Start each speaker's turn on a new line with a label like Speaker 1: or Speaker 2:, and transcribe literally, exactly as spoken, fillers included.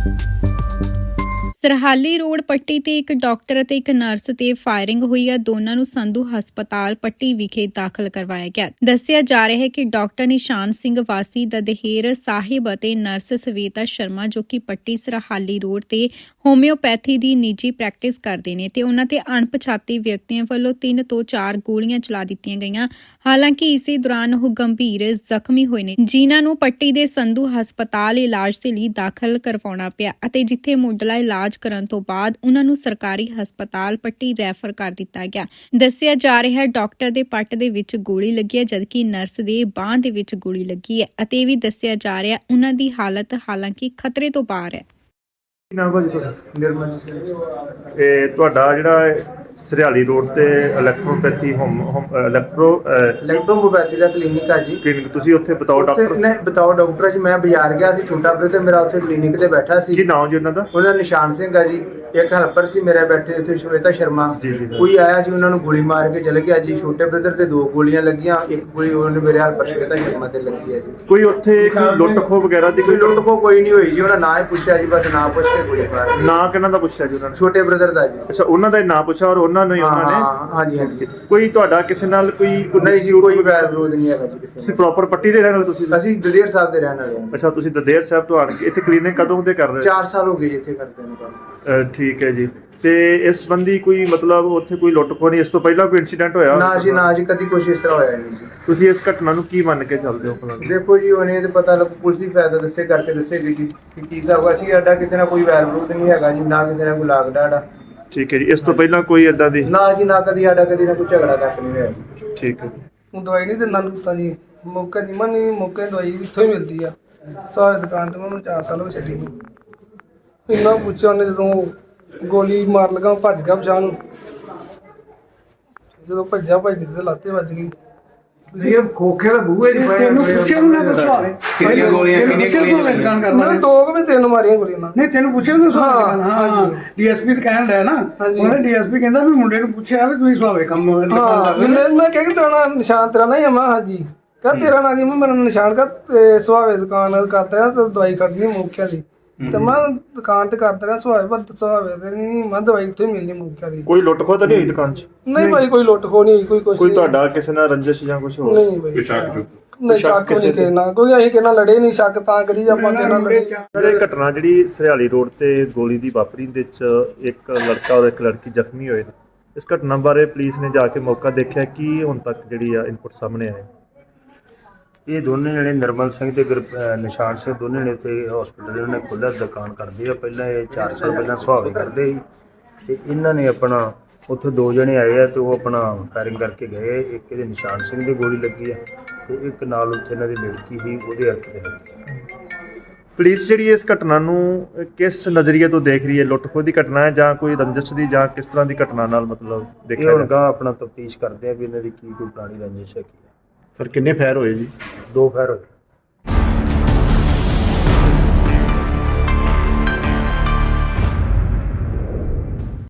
Speaker 1: Sarhali road ਪੱਟੀ ਤੇ ਇੱਕ doctor ਅਤੇ ਇੱਕ ਨਰਸ ਤੇ ਫਾਇਰਿੰਗ ਹੋਈ ਹੈ। ਦੋਨਾਂ ਨੂੰ ਸੰਧੂ ਹਸਪਤਾਲ ਪੱਟੀ ਵਿਖੇ ਦਾਖਲ ਕਰਵਾਇਆ ਗਿਆ। ਦੱਸਿਆ ਜਾ ਰਿਹਾ ਹੈ ਕਿ ਡਾਕਟਰ ਨਿਸ਼ਾਨ ਸਿੰਘ ਵਾਸੀ ਦਦਹੇਰ ਸਾਹਿਬ ਅਤੇ ਨਰਸ ਸਵੇਤਾ ਸ਼ਰਮਾ ਜੋ ਕਿ ਪੱਟੀ ਸਰਹਾਲੀ ਰੋਡ ਤੇ ਹੋਮਿਓਪੈਥੀ ਦੀ ਨਿੱਜੀ ਪ੍ਰੈਕਟਿਸ ਕਰਦੇ ਨੇ ਤੇ ਉਹਨਾਂ ਤੇ ਅਣਪਛਾਤੇ ਵਿਅਕਤੀਆਂ ਵੱਲੋਂ ਤਿੰਨ ਤੋਂ ਚਾਰ ਗੋਲੀਆਂ ਚਲਾ ਦਿੱਤੀਆਂ ਗਈਆਂ। ਹਾਲਾਂਕਿ ਇਸੇ ਦੌਰਾਨ ਉਹ ਗੰਭੀਰ ਜ਼ਖਮੀ ਹੋਏ ਨੇ, ਜਿਨ੍ਹਾਂ ਨੂੰ ਪੱਟੀ ਦੇ ਸੰਧੂ ਹਸਪਤਾਲ ਇਲਾਜ ਦੇ ਲਈ ਦਾਖਲ ਕਰਵਾਉਣਾ ਪਿਆ ਅਤੇ ਜਿੱਥੇ ਮੁੱਢਲਾ ਇਲਾਜ ਕਰਨ ਤੋਂ ਬਾਅਦ ਉਹਨਾਂ ਨੂੰ ਸਰਕਾਰੀ ਹਸਪਤਾਲ ਪੱਟੀ ਰੈਫਰ ਕਰ ਦਿੱਤਾ ਗਿਆ। ਦੱਸਿਆ ਜਾ ਰਿਹਾ ਹੈ ਡਾਕਟਰ ਦੇ ਪੱਟ ਦੇ ਵਿੱਚ ਗੋਲੀ ਲੱਗੀ ਹੈ ਜਦਕਿ ਨਰਸ ਦੇ ਬਾਂਹ ਦੇ ਵਿੱਚ ਗੋਲੀ ਲੱਗੀ ਹੈ ਅਤੇ ਇਹ ਵੀ ਦੱਸਿਆ ਜਾ ਰਿਹਾ ਉਹਨਾਂ ਦੀ ਹਾਲਤ ਹਾਲਾਂਕਿ ਖਤਰੇ ਤੋਂ ਬਾਹਰ ਹੈ।
Speaker 2: ਨਾਮ ਭਾਜੀ ਤੁਹਾਡਾ? ਨਿਰਮਲ। ਇਹ ਤੁਹਾਡਾ ਜਿਹੜਾ ਸਰਹਾਲੀ ਰੋਡ ਤੇ ਇਲੈਕਟ੍ਰੋਪੈਥੀ ਹੋਮ ਇਲੈਕਟ੍ਰੋ
Speaker 3: ਇਲੈਕਟ੍ਰੋਪੈਥੀ ਦਾ ਕਲੀਨਿਕ ਆ ਜੀ।
Speaker 2: ਕਲੀਨਿਕ ਤੁਸੀਂ ਉੱਥੇ ਬਤਾਓ ਡਾਕਟਰ?
Speaker 3: ਨਹੀਂ ਬਤਾਓ ਡਾਕਟਰ ਜੀ, ਮੈਂ ਬਾਜ਼ਾਰ ਗਿਆ ਸੀ ਛੋਟਾ ਬ੍ਰਦਰ ਮੇਰਾ ਉੱਥੇ ਕਲੀਨਿਕ ਤੇ ਬੈਠਾ ਸੀ।
Speaker 2: ਕੀ ਨਾਮ ਜੀ ਉਹਨਾਂ ਦਾ?
Speaker 3: ਉਹਨਾਂ ਨਿਸ਼ਾਨ ਸਿੰਘ ਆ ਜੀ। ਇੱਕ ਹੈਲਪਰ ਸੀ ਮੇਰੇ ਬੈਠੇ ਉੱਥੇ ਸ਼ਵੇਤਾ ਸ਼ਰਮਾ। ਕੋਈ ਆਇਆ ਜੀ ਉਹਨਾਂ ਨੂੰ ਗੋਲੀ ਮਾਰ ਕੇ ਚਲੇ ਗਿਆ ਜੀ। ਛੋਟੇ ਬ੍ਰਦਰ ਤੇ ਦੋ ਗੋਲੀਆਂ ਲੱਗੀਆਂ, ਇੱਕ ਗੋਲੀ ਉਹਨੇ ਮੇਰੇ ਹੈਲਪਰ ਸ਼ਵੇਤਾ ਸ਼ਰਮਾ ਤੇ ਲੱਗੀ ਹੈ ਜੀ।
Speaker 2: ਕੋਈ ਉੱਥੇ ਕੋਈ ਲੁੱਟ ਖੋਹ ਵਗੈਰਾ ਦੀ
Speaker 3: ਕੋਈ ਲੁੱਟ ਖੋਹ ਕੋਈ ਨਹੀਂ ਹੋਈ ਜੀ। ਉਹਨਾਂ ਨਾਂ ਹੀ ਪੁੱਛਿਆ ਜੀ, ਬਸ ਨਾਂ ਪੁੱਛ ਕੇ ਗੋਲੀ ਮਾਰ।
Speaker 2: ਨਾਂ ਕਿਹਨਾਂ ਦਾ ਪੁੱਛਿਆ ਜੀ ਉਹਨਾਂ ਨੇ?
Speaker 3: ਛੋਟੇ ਬ੍ਰਦਰ ਦਾ ਜੀ।
Speaker 2: ਅੱਛਾ, ਉਹਨਾਂ ਦਾ ਨਾਂ ਪੁੱਛਿਆ ਔਰ ਉਹਨਾਂ ਨੂੰ ਹੀ ਉਹਨਾਂ ਨੇ?
Speaker 3: ਹਾਂਜੀ ਹਾਂਜੀ।
Speaker 2: ਕੋਈ ਤੁਹਾਡਾ ਕਿਸੇ ਨਾਲ ਕੋਈ
Speaker 3: ਨਹੀਂ ਜੀ, ਕੋਈ ਵੈਰ ਵਿਰੋਧ ਨਹੀਂ ਹੈਗਾ ਜੀ ਕਿਸੇ।
Speaker 2: ਤੁਸੀਂ ਪ੍ਰੋਪਰ ਪੱਟੀ ਦੇ ਰਹਿਣ ਵਾਲੇ? ਤੁਸੀਂ
Speaker 3: ਅਸੀਂ ਦਲੇਰ ਸਾਹਿਬ ਦੇ ਰਹਿਣ ਵਾਲੇ ਹਾਂ।
Speaker 2: ਅੱਛਾ, ਤੁਸੀਂ ਦਦੇਰ ਸਾਹਿਬ ਤੋਂ ਆਣ ਕੇ ਇੱਥੇ ਕਲੀਨਿਕ ਕਦੋਂ ਦੇ ਕਰ ਰਹੇ ਹੋ?
Speaker 3: ਚਾਰ ਸਾਲ ਹੋ ਗਏ ਇੱਥੇ ਕਰਦੇ ਨੇ ਕੰਮ।
Speaker 2: ਠੀਕ ਹੈ ਜੀ। ਤੇ ਇਸ ਸੰਬੰਧੀ ਕੋਈ ਮਤਲਬ ਉੱਥੇ ਕੋਈ ਲੁੱਟ ਖੋਹ ਨਹੀਂ, ਇਸ ਤੋਂ ਪਹਿਲਾਂ ਕੋਈ ਇਨਸੀਡੈਂਟ ਹੋਇਆ?
Speaker 3: ਨਾ ਜੀ ਨਾ ਜੀ, ਕਦੀ ਕੁਛ ਇਸ ਤਰ੍ਹਾਂ ਹੋਇਆ ਨਹੀਂ ਜੀ।
Speaker 2: ਤੁਸੀਂ ਇਸ ਘਟਨਾ ਨੂੰ ਕੀ ਮੰਨ ਕੇ ਚੱਲਦੇ ਹੋ?
Speaker 3: ਦੇਖੋ ਜੀ, ਉਹਨੇ ਤੇ ਪਤਾ ਲੱਗ ਪੁਲਿਸ ਦੀ ਫਾਇਦਾ ਦੱਸੇ ਕਰਕੇ ਦੱਸੇਗੀ ਕਿ ਕੀ ਹਿਸਾਬ ਹੈ। ਅਸੀਂ ਸਾਡਾ ਕਿਸੇ ਨਾਲ ਕੋਈ ਵੈਰ ਵਿਰੋਧ ਨਹੀਂ ਹੈਗਾ ਜੀ, ਨਾ ਕਿਸੇ ਨਾਲ ਕੋਈ ਲਾਗ ਡਾੜਾ।
Speaker 2: ਠੀਕ ਹੈ ਜੀ। ਇਸ ਤੋਂ ਪਹਿਲਾਂ ਕੋਈ ਏਦਾਂ ਦੀ?
Speaker 3: ਨਾ ਜੀ ਨਾ, ਕਦੀ ਸਾਡਾ ਕਦੀ ਨਾ ਕੋਈ ਝਗੜਾ ਤੱਕ ਨਹੀਂ ਹੋਇਆ।
Speaker 2: ਠੀਕ ਹੈ।
Speaker 4: ਹੁਣ ਦਵਾਈ ਨਹੀਂ ਦਿੰਦਾ ਲੁੱਤਾਂ ਜੀ, ਮੌਕੇ ਦੀ ਮਨੀ ਮੌਕੇ ਦਵਾਈ ਇੱਥੋਂ ਹੀ ਮਿਲਦੀ ਆ। ਸਾਰੀ ਦੁਕਾਨ ਤੇ ਮੈਨੂੰ ਚਾਰ ਸਾਲ ਹੋ ਛੱਡੀ ਨੂੰ। ਇੰਨਾ ਪੁੱਛਿਆ ਉਹਨੇ, ਜਦੋਂ ਗੋਲੀ ਮਾਰ ਲਗਾ ਭੱਜ ਗਿਆ ਪਛਾਣ ਨੂੰ। ਜਦੋਂ ਭੱਜਿਆ ਭੱਜਦੇ ਤੇ ਲਾਤੇ ਵੱਜ ਗਈ।
Speaker 3: ਇਹ ਖੋਖੇ ਦਾ ਬੂਹੇ ਜੀ।
Speaker 5: ਤੈਨੂੰ ਪੁੱਛਿਆ ਉਹਨੇ ਪੁੱਛਾਵੇ
Speaker 6: ਕਿੰਨੀਆਂ ਗੋਲੀਆਂ ਕਿੰਨੀਆਂ ਗੋਲੀਆਂ
Speaker 4: ਮੈਂ ਦੋ ਕੁ ਵੀ ਤਿੰਨ ਮਾਰੀਆਂ ਗੋਲੀਆਂ ਨਾਲ।
Speaker 5: ਨਹੀਂ ਤੈਨੂੰ ਪੁੱਛਿਆ ਉਹਨੇ ਸਵਾਲ? ਹਾਂ, ਡੀਐਸਪੀ ਕਹਿਣ ਡਿਆ ਨਾ, ਉਹਨੇ ਡੀਐਸਪੀ ਕਹਿੰਦਾ ਵੀ ਮੁੰਡੇ ਨੂੰ ਪੁੱਛਿਆ ਵੀ ਤੁਸੀਂ ਸਵਾਵੇ ਕੰਮ।
Speaker 4: ਹਾਂ, ਮੈਂ ਕਿਹਾ ਕਿ ਤੇਰਾ ਨਿਸ਼ਾਨ ਤੇਰਾ ਨਹੀਂ ਆ? ਮੈਂ ਹਾਂਜੀ। ਕਹ ਤੇਰਾ ਨਾਂ ਕੀ? ਮੈਂ ਮੇਰਾ ਨਿਸ਼ਾਨ ਕਰ ਸੁਹਾਵੇ ਦੁਕਾਨ ਕਰਦਾ ਤੇ ਦਵਾਈ ਕੱਢਣੀ ਮੌਕਿਆਂ ਦੀ। ਤੇ ਮੈਂ ਦੁਕਾਨ ਤੇ ਕਰਦਾ ਰਿਹਾ ਸੁਹਾਵੇ, ਪਰ ਸੁਹਾਵੇ ਤੇ ਨਹੀਂ, ਮੈਂ ਦਵਾਈ ਉੱਥੇ ਮਿਲਣੀ ਮੌਕਿਆਂ ਦੀ।
Speaker 2: ਕੋਈ ਲੁੱਟ ਖੋਹ ਤਾਂ ਨਹੀਂ ਹੋਈ ਦੁਕਾਨ 'ਚ?
Speaker 4: ਨਹੀਂ ਭਾਈ, ਕੋਈ ਲੁੱਟ ਖੋਹ ਨਹੀਂ ਹੋਈ, ਕੋਈ ਕੁਛ
Speaker 2: ਕੋਈ ਤੁਹਾਡਾ ਕਿਸੇ ਨਾਲ ਰੰਜਿਸ਼ ਜਾਂ ਕੁਝ ਹੋਰ?
Speaker 4: ਨਹੀਂ ਭਾਈ, ਨਹੀਂ ਸ਼ੱਕ ਨਹੀਂ ਕਹਿਣਾ ਕੋਈ, ਅਸੀਂ ਕਿਹਨਾਂ ਲੜੇ ਨਹੀਂ। ਸ਼ੱਕ ਤਾਂ ਕਰੀ ਆਪਾਂ ਕਿਹਨਾਂ ਲੜੇ।
Speaker 2: ਇਹ ਘਟਨਾ ਜਿਹੜੀ ਸਰਹਾਲੀ ਰੋਡ ਤੇ ਗੋਲੀ ਦੀ ਵਾਪਰੀ ਦੇ ਵਿੱਚ ਇੱਕ ਲੜਕਾ ਔਰ ਇੱਕ ਲੜਕੀ ਜ਼ਖਮੀ ਹੋਏ ਨੇ, ਇਸ ਘਟਨਾ ਬਾਰੇ ਪੁਲਿਸ ਨੇ ਜਾ ਕੇ ਮੌਕਾ ਦੇਖਿਆ, ਕੀ ਹੁਣ ਤੱਕ ਜਿਹੜੀ ਆ ਇਨਪੁਟ ਸਾਹਮਣੇ ਆਏ?
Speaker 7: ਇਹ ਦੋਨੇ ਜਣੇ ਨਿਰਮਲ ਸਿੰਘ ਤੇ ਨਿਸ਼ਾਨ ਸਿੰਘ ਦੋਨੇ ਨੇ ਉੱਥੇ ਹਸਪੀਟਲ ਇਹਨਾਂ ਨੇ ਖੋਲ੍ਹਿਆ ਦੁਕਾਨ ਕਰਦੇ ਆ। ਪਹਿਲਾਂ ਇਹ ਚਾਰ ਸਾਲ ਪਹਿਲਾਂ ਸੁਹਾਵੇ ਕਰਦੇ ਸੀ ਤੇ ਇਹਨਾਂ ਨੇ ਆਪਣਾ ਉੱਥੇ ਦੋ ਜਣੇ ਆਏ ਆ ਤੇ ਉਹ ਆਪਣਾ ਫਾਇਰਿੰਗ ਕਰਕੇ ਗਏ। ਇੱਕ ਇਹਦੇ ਨਿਸ਼ਾਨ ਸਿੰਘ ਦੀ ਗੋਲੀ ਲੱਗੀ ਆ ਤੇ ਇੱਕ ਨਾਲ ਉੱਥੇ ਇਹਨਾਂ ਦੀ ਲੜਕੀ ਸੀ, ਉਹਦੇ ਹੱਥ ਤੇ ਲੱਗੀ।
Speaker 2: ਪੁਲਿਸ ਜਿਹੜੀ ਇਸ ਘਟਨਾ ਨੂੰ ਕਿਸ ਨਜ਼ਰੀਏ ਤੋਂ ਦੇਖ ਰਹੀ ਹੈ? ਲੁੱਟ ਖੋਹ ਦੀ ਘਟਨਾ ਹੈ ਜਾਂ ਕੋਈ ਰੰਜਿਸ਼ ਦੀ, ਜਾਂ ਕਿਸ ਤਰ੍ਹਾਂ ਦੀ ਘਟਨਾ ਨਾਲ ਮਤਲਬ ਦੇਖਿਆ?
Speaker 7: ਇਹ ਹੁਣ ਗਾ ਆਪਣਾ ਤਫਤੀਸ਼ ਕਰਦੇ ਆ ਵੀ ਇਹਨਾਂ ਦੀ ਕੀ ਕੋਈ ਪੁਰਾਣੀ ਰੰਜਿਸ਼ ਹੈ ਕੀ।
Speaker 2: ਸਰ ਕਿੰਨੇ ਫਾਇਰ ਹੋਏ ਜੀ?
Speaker 7: ਦੋ ਫਾਇਰ ਹੋਏ।